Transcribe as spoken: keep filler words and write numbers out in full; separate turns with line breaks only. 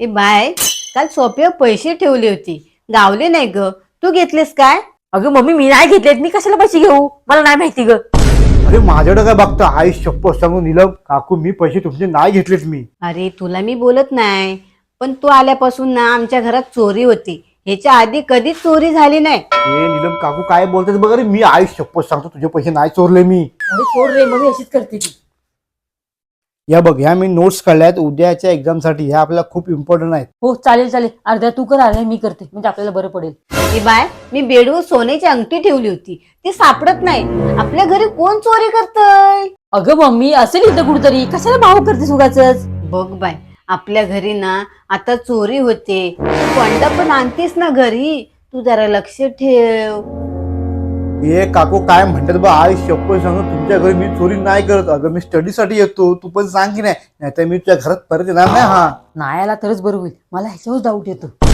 ए bye, काल सोप्यावर पैसे ठेवले होते, गावले नाही ग. तू घेतलेस काय?
अगं मम्मी मी नाही घेतलेत. मी कशाला पैसे घेऊ? मला नाही माहिती ग.
अरे माझ्याकडे काय बघता आई शप्पथ सांगू नीलम काकू मी पैसे तुमचे नाही घेतलेत मी.
अरे तुला मी बोलत नाही, पण तू आल्यापासून ना आमच्या घरात चोरी होती. ह्याच्या आधी कधीच चोरी झाली नाही.
ए नीलम काकू काय बोलतात बघ. अरे मी आई शप्पथ सांगतो तुझे पैसे नाही चोरले मी.
अरे सोड रे, मम्मी अशीच करते ती.
या बघ ह्या मी नोट्स काढल्यात उद्याच्या एक्झाम साठी. ह्या आपल्याला खूप इम्पॉर्टंट आहेत.
हो चालेल चालेल, अर्ध्या तू कर अर्ध्या मी करते, म्हणजे आपल्याला बरं पडेल.
ए बाय, मी बेडवर सोन्याची अंगठी ठेवली होती, ती सापडत नाही. आपल्या घरी कोण चोरी करतय?
अगं मम्मी असेल इथं कुठतरी, कशाला भाव करतेस उगाचच?
बघ बाय, आपल्या घरी ना आता चोरी होते. तू कोंडा पण आणतीस ना घरी, तू जरा लक्ष ठेव.
ए काकू काय म्हणतात बा आई शप्पथ सांगतो तुमच्या घरी मी चोरी नाही करत. अगं मी स्टडीसाठी येतो, तू पण सांग की नाही, नाहीतर मी तुझ्या घरात परत येणार नाही. हा
नाही आला तरच बरं होईल, मला ह्याच्यावर डाऊट येतो.